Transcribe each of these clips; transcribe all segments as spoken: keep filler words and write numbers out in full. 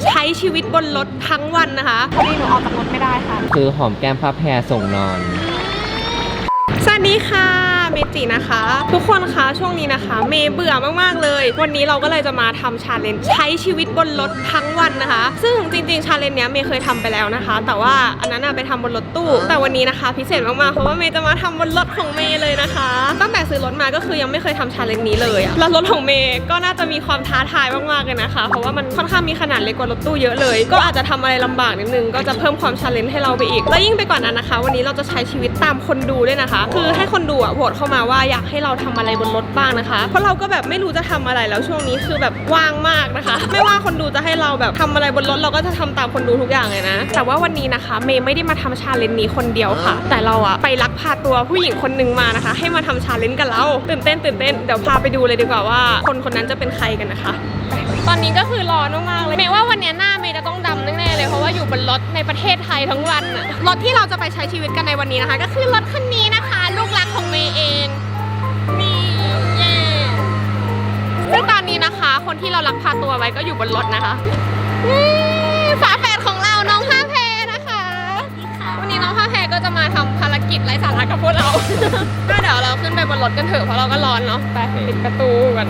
ใช้ชีวิตบนรถทั้งวันนะคะพอดีหนูออกจากรถไม่ได้ค่ะคือหอมแก้มพระแพรส่งนอนสวัสดีค่ะเมจินะคะทุกคนคะช่วงนี้นะคะเมย์เบื่อมากๆเลยวันนี้เราก็เลยจะมาทำชาเลนจ์ใช้ชีวิตบนรถทั้งวันนะคะซึ่งจริงๆชาเลนจ์เนี้ยเมย์เคยทำไปแล้วนะคะแต่ว่าอันนั้นอะไปทำบนรถตู้แต่วันนี้นะคะพิเศษมากๆเพราะว่าเมย์จะมาทำบนรถของเมย์เลยนะคะตั้งแต่ซื้อรถมาก็คือยังไม่เคยทำชาเลนจ์นี้เลยอะแล้วรถของเมย์ก็น่าจะมีความท้าทายมากๆเลยนะคะเพราะว่ามันค่อนข้างมีขนาดเล็กกว่ารถตู้เยอะเลยก็อาจจะทำอะไรลำบากนิดนึงก็จะเพิ่มความชาเลนจ์ให้เราไปอีกและยิ่งไปกว่านั้นนะคะวันนี้เราจะใช้ชีวิตตามคนดูด้วยนะคะคือให้คนดูอะโหวตเข้ามาว่าอยากให้เราทำอะไรบนรถบ้างนะคะเพราะเราก็แบบไม่รู้จะทำอะไรแล้วช่วงนี้คือแบบว่างมากนะคะไม่ว่าคนดูจะให้เราแบบทำอะไรบนรถเราก็จะทำตามคนดูทุกอย่างเลยนะแต่ว่าวันนี้นะคะเมย์ไม่ได้มาทำชาเลนจ์นี้คนเดียวค่ะแต่เราอะไปลักพาตัวผู้หญิงคนหนึ่งมานะคะให้มาทำชาเลนจ์กับเราตื่นเต้นตื่นเต้นเดี๋ยวพาไปดูเลยดีกว่าว่าคนคนนั้นจะเป็นใครกันนะคะตอนนี้ก็คือร้อนมากๆเลยเมย์ว่าวันนี้หน้าเมย์จะต้องดำแน่ๆเลยเพราะว่าอยู่บนรถในประเทศไทยทั้งวันอะรถที่เราจะไปใช้ชีวิตกันในวันนี้นะคะก็คือรถคันนี้นะคะลูกรักของเมย์เองนี่เย่ซึ่งตอนนี้นะคะคนที่เราลักพาตัวไว้ก็อยู่บนรถนะคะฝาแฝดของเราน้องผ้าแพรนะคะวันนี้น้องผ้าแพรก็จะมาทำภารกิจไร้สาระกับพวกเราก็เดี๋ยวเราขึ้นไปบนรถกันเถอะเพราะเราก็ร้อนเนาะไปปิดประตูกัน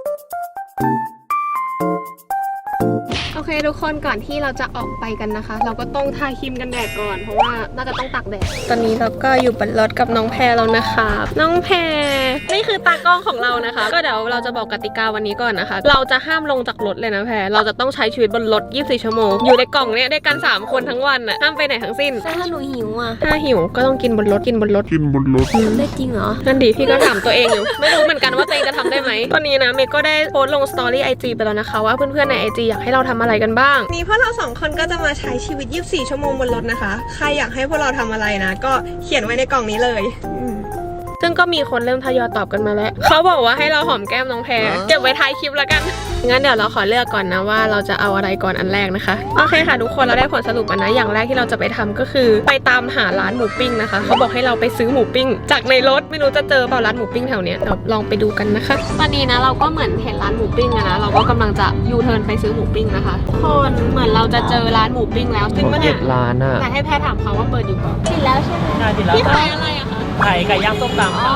โอเคทุกคนก่อนที่เราจะออกไปกันนะคะเราก็ต้องทาครีมกันแดดก่อนเพราะว่าน่าจะต้องตากแดดตอนนี้เราก็อยู่บนรถกับน้องแพรแล้วนะคะน้องแพรนี่คือตากล้องของเรานะคะก็เดี๋ยวเราจะบอกกติกาวันนี้ก่อนนะคะเราจะห้ามลงจากรถเลยนะแพรเราจะต้องใช้ชีวิตบนรถยี่สิบสี่ชั่วโมงอยู่ในกล่องเนี้ยได้กันสามคนทั้งวันน่ะห้ามไปไหนทั้งสิ้นถ้าหนูหิวอ่ะถ้าหิวก็ต้องกินบนรถกินบนรถกินบนรถได้จริงเหรอนั่นดีพี่ก็ถามตัวเองอยู่ไม่รู้เหมือนกันว่าตัวเองจะทำได้ไหมตอนนี้นะเมย์ก็ได้โพสต์ลงสตอรี่ไอจีไปแล้วนะคะว่าเพื่อนๆในไอจีอยากให้เราทำอะไรกันบ้างนี่พวกเราสองคนก็จะมาใช้ชีวิตยี่สิบสี่ชั่วโมงบนรถนะคะใครอยากให้พวกเราทำอะไรนะก็เขียนไว้ในกล่องนี้เลยซึ่งก็มีคนเริ่มทยอยตอบกันมาแล้วเขาบอกว่าให้เราหอมแก้มน้องแพรเก็บไว้ท้ายคลิปแล้วกันงั้นเดี๋ยวเราขอเลือกก่อนนะว่าเราจะเอาอะไรก่อนอันแรกนะคะโอเคค่ะทุกคนเราได้ผลสรุปกันนะอย่างแรกที่เราจะไปทำก็คือไปตามหาร้านหมูปิ้งนะคะเขาบอกให้เราไปซื้อหมูปิ้งจากในรถไม่รู้จะเจอเปล่าร้านหมูปิ้งแถวเนี้ยเดี๋ยวลองไปดูกันนะคะตอนนี้นะเราก็เหมือนเห็นร้านหมูปิ้งนะเราก็กำลังจะยูเทิร์นไปซื้อหมูปิ้งนะคะคนเหมือนเราจะเจอร้านหมูปิ้งแล้วจริงปะเนี่ยร้านอะแต่ให้แพรถามเขาว่าเปิดอยู่เปล่ากินแล้วใช่ไหมได้กินแล้วพี่ขายอะไรอะคะไก่ไก่ย่างส้มตำค่ะ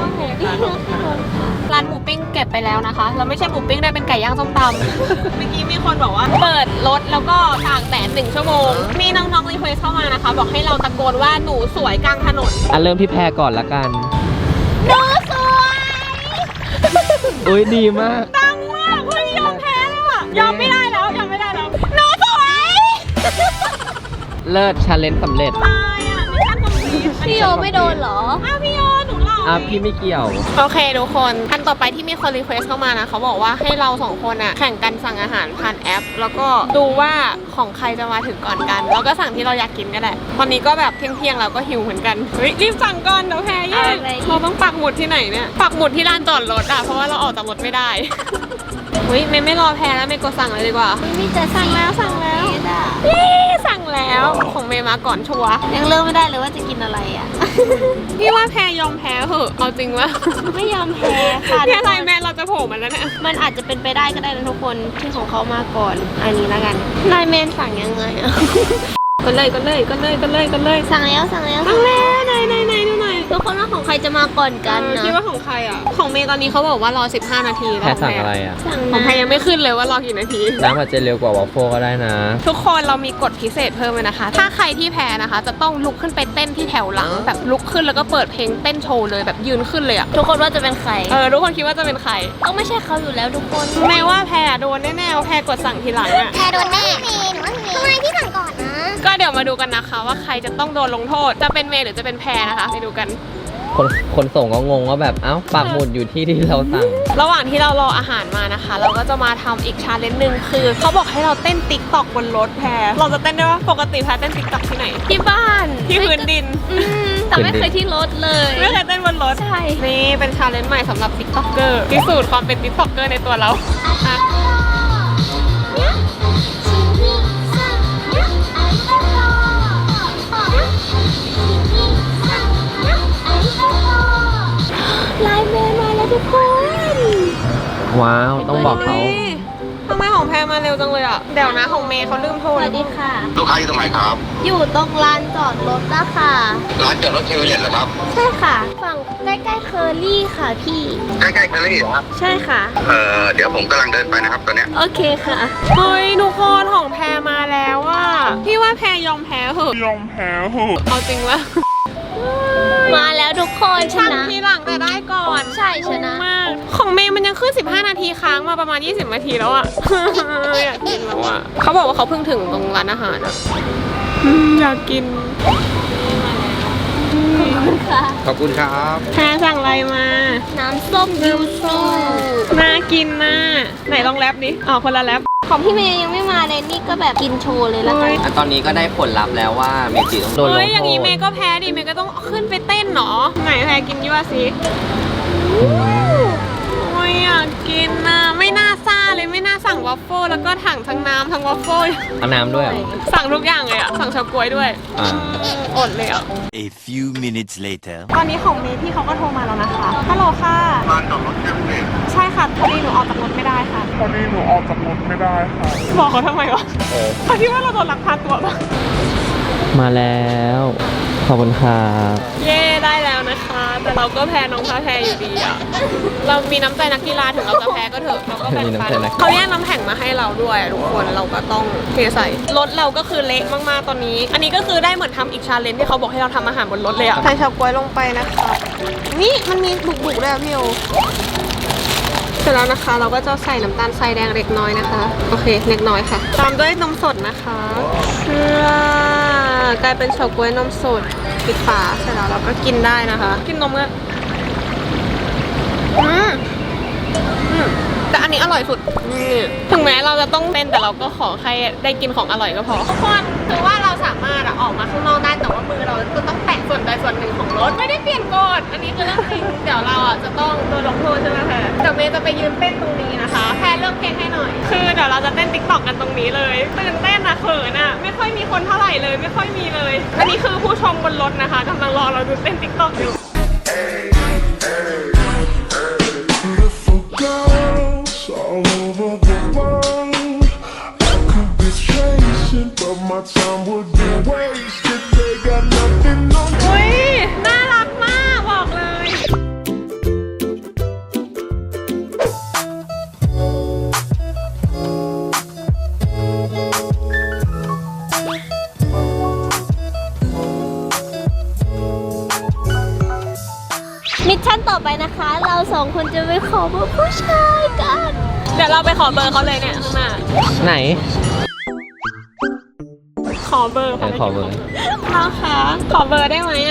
ร้านหมูปิ้งเก็บไปแล้วนะคะแล้วไม่ใช่หมูปิ้งได้เป็นไก่ย่างส้มตำเมื่อกี้มีคนบอกว่าเปิดรถแล้วก็ตากแดดหนึ่งชั่วโมงมีน้องๆรีเควสเข้ามานะคะบอกให้เราตะโกนว่าหนูสวยกลางถนนอ่ะเริ่มที่แพรก่อนละกันหนูสวยอุ้ยดีมากดังมากเฮ้ยยอมแพ้แล้วอะยอมไม่ได้แล้วยอมไม่ได้แล้วหนูสวยเลิศชาเลนจ์สำเร็จตายอะไม่ทันคอมพลีทพี่โยไม่โดนเหรออ้าวพี่โยหนูหล่ออ่ะพี่ไม่เกี่ยวโอเคทุกคนอันต่อไปที่มีคนรีเควสเข้ามานะเขาบอกว่าให้เราสองคนอะแข่งกันสั่งอาหารผ่านแอปแล้วก็ดูว่าของใครจะมาถึงก่อนกันแล้วก็สั่งที่เราอยากกินก็ได้ตอนนี้ก็แบบเที่ยงๆเราก็หิวเหมือนกันเฮ้ยรีบสั่งก่อนเดี๋ยวแพ้แย่เราต้องปักหมุดที่ไหนเนี่ยปักหมุดที่ลานจอดรถอะเพราะว่าเราออกจากรถไม่ได้เฮ้ยไม่ไม่รอแพ้แล้วไม่กดสั่งเลยดีกว่ามีจะสั่งแล้วสั่งแล้วสั่งแล้วของเมย์มาก่อนชัวร์ยังเลือกไม่ได้เลยว่าจะกินอะไรอ่ะพี่ว่าแพ้ยอมแพ้เหอะเอาจริงวะไม่ยอมแพ้ค่ะพี่อะไรแม่เราจะโผล่มาแล้วเนี่ยมันอาจจะเป็นไปได้ก็ได้นะทุกคนที่ของเขามาก่อนอันนี้แล้วกันนายเมนสั่งยังไงอ่ะก็เลยก็เลยก็เลยก็เลยก็เลยสั่งแล้วสั่งแล้วสั่งแล้วไหนไหนไหนดูหน่อยทุกคนว่าของใครจะมาก่อนกันนะคิดว่าของใครอ่ะของเมย์ตอนนี้เขาบอกว่ารอสิบห้านาทีแพรสั่งอะไรอ่ะของแพรยังไม่ขึ้นเลยว่ารอกี่นาทีน้ำอาจจะเร็วกว่าวอฟเฟิลก็ได้นะทุกคนเรามีกฎพิเศษเพิ่มเลยนะคะถ้าใครที่แพ้นะคะจะต้องลุกขึ้นไปเต้นที่แถวหลังแบบลุกขึ้นแล้วก็เปิดเพลงเต้นโชว์เลยแบบยืนขึ้นเลยอ่ะทุกคนว่าจะเป็นใครเออทุกคนคิดว่าจะเป็นใครต้องไม่ใช่เขาอยู่แล้วทุกคนแม้ว่าแพรโดนแน่ๆแพรกดสั่งทีหลังอ่ะแพรโดนแน่เมย์หนูว่าเมย์ทำไมพี่สั่งก่อนนะก็เดี๋ยวมาดูกันนะคะว่าใครจะต้องโดนลงโทษจะเป็นเมย์หรือจะเป็นแพรนะคะไปดูกันคนคนส่งก็งงว่าแบบเอ้าปักหมุดอยู่ที่ที่เราสั่งระหว่างที่เรารออาหารมานะคะเราก็จะมาทำอีกชาเลนจ์หนึ่งคือเขาบอกให้เราเต้นติ๊กต็อกบนรถแพรเราจะเต้นได้ว่าปกติแพรเต้นติ๊กต็อกที่ไหนที่บ้านที่พื้นดินแต่ไม่เคยที่รถเลยไม่เคยเต้นบนรถใช่นี่เป็นชาเลนจ์ใหม่สำหรับติ๊กต็อกเกอร์พิสูจน์ความเป็นติ๊กต็อกเกอร์ในตัวเราไลน์เมย์มาแล้วทุกคนว้าวต้องบอกเขาทำไมของแพรมาเร็วจังเลยอ่ะเดี๋ยวนะของเมย์เขาลืมโทสรวัสดีค่ะลูกค้าอยู่ตรงไหนครับอยู่ตรงลานจอดรถนะคะร้านจอดรถเทเวเลตเหรอครับใช่ค่ะ ฝั่งใกล้ๆเคอรี่ค่ะพี่ใกล้ๆเคอรี่เหรอครับใช่ค่ะเอ่อ เดี๋ยวผมกำลังเดินไปนะครับตอนเนี้ยโอเคค่ะเฮ้ยทุกคนของแพรมาแล้วอ่ะพี่ว่าแพรยอมแพ้เหอะยอมแพ้เหอะเอาจริงวะมาแล้วทุกคนชช่างนะทีหลังแต่ได้ก่อนใช่ชนะมากของเมย์มันยังขึ้นสิบห้านาทีค้างมาประมาณยี่สิบนาทีแล้วอ่ะ อยากกินแล้วอ่ะเขาบอกว่าเขาเพิ่งถึงตรงร้านอาหารอ่ะอืมอยากกินค่ะขอบคุณครับแพรสั่งอะไรมาน้ำส้มยูสุน่ากินนะไหนลองแรปดิอ๋อคนละแรปของพี่เมย์ยังไม่มาเลยนี่ก็แบบกินโชว์เลยละกันอ่ะตอนนี้ก็ได้ผลลัพธ์แล้วว่าเมจิต้องโดนลงเฮ้ยโทอย่างนี้เมษย์ก็แพ้ดิเมย์ก็ต้องขึ้นไปเต้นเหรอไหนแพรกินยี่ว่าสิโอ้ยอยากกินนะไม่น่าซ่าเลยไม่น่าสั่งวอฟเฟิลแล้วก็ถังทั้งน้ำทั้งวอฟเฟิลเอาน้ำด้วยเหรอสั่งทุกอย่างเลยอะสั่งเฉาก๊วยด้วยอ่าอดเลยอะ A few minutes later. ตอนนี้ของเมย์พี่เขาก็โทรมาแล้วนะคะฮัลโหลค่ะร้านจอดรถเทเวเลตใช่ค่ะพอดีหนูออกจากรถไม่ได้ค่ะพอดีหนูออกจากรถไม่ได้ค่ะบอกเขาทำไมวะเขาคิดว่าเราโดนลักพาตัวปะมาแล้วขอบคุณครับเย่ได้แล้วนะคะ แต่เราก็แพ้น้องพาแพ้อยู่ดีอะเรามีน้ำใจนักกีฬาถึงเราจะแพ้ก็เถอะเราก็แบ่งมีน้ำปันใจนักเขาแยกน้ำแข็งมาให้เราด้วยทุกคนเราก็ต้องเทใส่รถเราก็คือเละมากๆตอนนี้ อันนี้ก็คือได้เหมือนทำอีกชาเลนจ์ที่เขาบอกให้เราทำอาหารบนรถเลยอะใส่เฉาก๊วยลงไปนะคะนี่มันมีบุกๆด้วยอะพี่โอเสร็จแล้วนะคะเราก็จะใส่น้ำตาลทรายแดงเล็กน้อยนะคะโอเคเล็กน้อยค่ะตามด้วยนมสดนะคะเพื่อกลายเป็นเฉาก๊วยนมสดปิดฝาเสร็จแล้วเราก็กินได้นะคะกินนมก็อืมอืมแต่อันนี้อร่อยสุดนี่ถึงแม้เราจะต้องเต้นแต่เราก็ขอแค่ได้กินของอร่อยก็พอทุกคนคือว่าเราสามารถอะออกมาข้างนอกได้แต่ว่ามือเราจะต้องแตะส่วนใดส่วนหนึ่งของรถไม่ได้เปลี่ยนกฎอันนี้คือเรื่องจริงเดี๋ยวเราอะจะต้องโดนลงโทษใช่ไหมแพรเดี๋ยวเมย์จะไปยืนเต้นตรงนี้นะคะแพรเลือกเพลงให้หน่อย คือเดี๋ยวเราจะเต้นติ๊กต็อกกันตรงนี้เลยตื่นเต้นอะเขินอะไม่ค่อยมีคนเท่าไหร่เลยไม่ค่อยมีเลย อันนี้คือผู้ชมบนรถนะคะกำลังรอเราดูเต้นติ๊กต็อกอยู่ Beautiful girls all over the world. I could be chasing, but my time would be wasted. They got nothing on me. อุ้ยน่ารักมากบอกเลยมิชชั่นต่อไปนะคะ เราสองคนจะไปขอเบอร์ผู้ชายกันเดี๋ยวเราไปขอเบอร์เขาเลยเนี่ยข้างหน้าไหนขอเบอร์เออขอเบอร์น้องคะขอเบอร์ได้ไหมอะ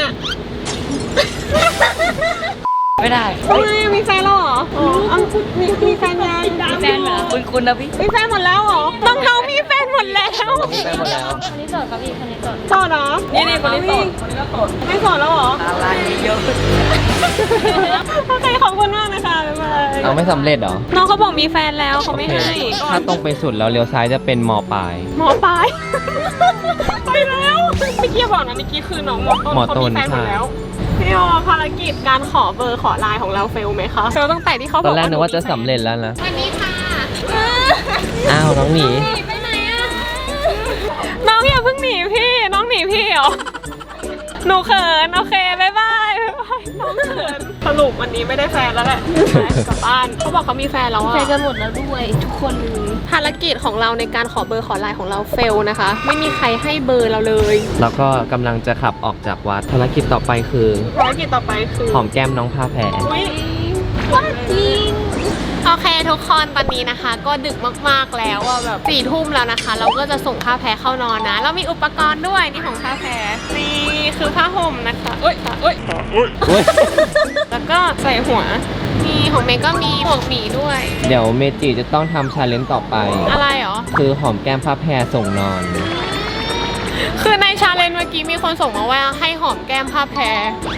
ไม่ได้ทำไมมีแฟนแล้วเหรออ๋อเอามีมีแฟนยังแฟนเหรอคุณคุณนะพี่มีแฟนหมดแล้วเหรอน้องๆมีแฟนหมดแล้วมีแฟนหมดแล้วคนนี้โสดครับพี่คนนี้โสดโสดเหรอนี่นี่คนนี้โสดคนนี้ก็โสดไม่โสดแล้วเหรออะไรเยอะขึ้นโอเคขอบคุณมากนะคะบ๊ายบายเอาไม่สำเร็จเหรอน้องเขาบอกมีแฟนแล้วเขาไม่โอเคให้ถ้าตรงไปสุดแล้วเลี้ยวซ้ายจะเป็นมอปลายหมอปลาย ไปแล้วเมื่อกี้บอกนะเมื่อกี้คือน้องหมอต้นหมอเขาต้มีนแฟนหมดใช่แล้วพี่โอภารกิจการขอเบอร์ขอไลน์ของเราเฟลไหมคะเฟลตั้งแต่ที่เขาบตออก นแรกนึกว่าจะหมีแฟสำเร็จแล้วนะสวัสดีค่ะอ้าวน้องหนีไปไหนอะน้องอย่าเพิ่งหนีพี่น้องหนีพี่เหรอหนูเขินโอเคบายบายบ๊ายบายน้องเขินสรุปวันนี้ไม่ได้แฟนแล้วแหละกลับบ้านเขาบอกเขามีแฟนแล้วอะแฟนกันหมดแล้วด้วยทุกคนเลยภารกิจของเราในการขอเบอร์ขอไลน์ของเราเฟลนะคะ ไม่มีใครให้เบอร์เราเลยแล้วก็กำลังจะขับออกจากวัดภารกิจต่อไปคือภารกิจต่อไปคือหอมแก้มน้องผ้าแพรอุ๊ยว่าจริงโอเคทุกคนตอนนี้นะคะ ก็ดึกมากๆแล้วอะแบบสี่ทุ่มแล้วนะคะ เราก็จะส่งผ้าแพรเข้านอนนะ เรามีอุปกรณ์ด้วยนี่ของผ้าแพรนี่คือผ้าห่มนะคะเอ้ยเอ้ยเว้ยแล้วก็ใส่หัวมีของเมย์ก็มีหมวกหมีด้วยเดี๋ยวเมจิจะต้องทำชาเลนจ์ต่อไปอะไรเหรอคือหอมแก้มผ้าแพรส่งนอนคือในชาเลนจ์เมื่อกี้มีคนส่งมาว่าให้หอมแก้มผ้าแพร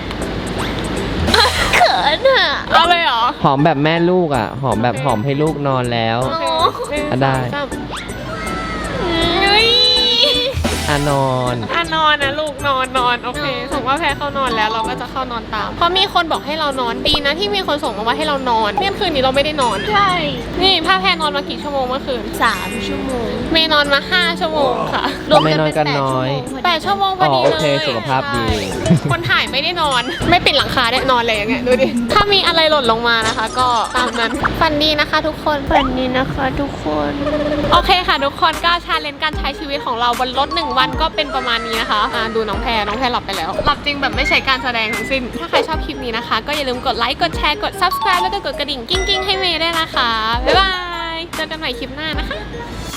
เขินอ่ะเอาเลยเหรอหอมแบบแม่ลูกอ่ะ หอมแบบหอมให้ลูกนอนแล้วโอเคหนึ่งอ่ะได้สองสามเฮ้ยอ่ะนอนอ่ะนอนนะลูกนอนนอนโอเคส่งว่าแพรเข้านอนแล้วเราก็จะเข้านอนตามเพราะมีคนบอกให้เรานอนดีนะที่มีคนส่งมาว่าให้เรานอนเมื่อคืนนี้เราไม่ได้นอนใช่นี่ผ้าแพรนอนมากี่ชั่วโมงเมื่อคืนสามชั่วโมงเมย์นอนมาห้าชั่วโมงค่ะทำไมนอนกันน้อยแปดชั่วโมงพอดีอ๋อโอเลเคยสุขภาพดีใช่คนถ่ายไม่ได้นอน ไม่ปิดหลังคาได้นอนเลยอย่างเงี้ยดูดิ ถ้ามีอะไรหล่นลงมานะคะ ก็ตามนั้นฝันดีนะคะทุกคนฝันดีนะคะทุกคนโอเคค่ะทุกคนก็ชาเลนจ์การใช้ชีวิตของเราบนรถหนึ่งวันก็เป็นประมาณนี้นะคะอ่าดูน้องแพรน้องแพรหลับไปแล้วหลับจริงแบบไม่ใช่การแสดงทั้งสิ้นถ้าใครชอบคลิปนี้นะคะก็อย่าลืมกดไลค์กดแชร์กด ซับสไครบ์ แล้วก็กดกระดิ่งกิ้งๆให้เมย์ด้วยนะคะบ๊ายบายเจอกันใหม่คลิปหน้านะคะ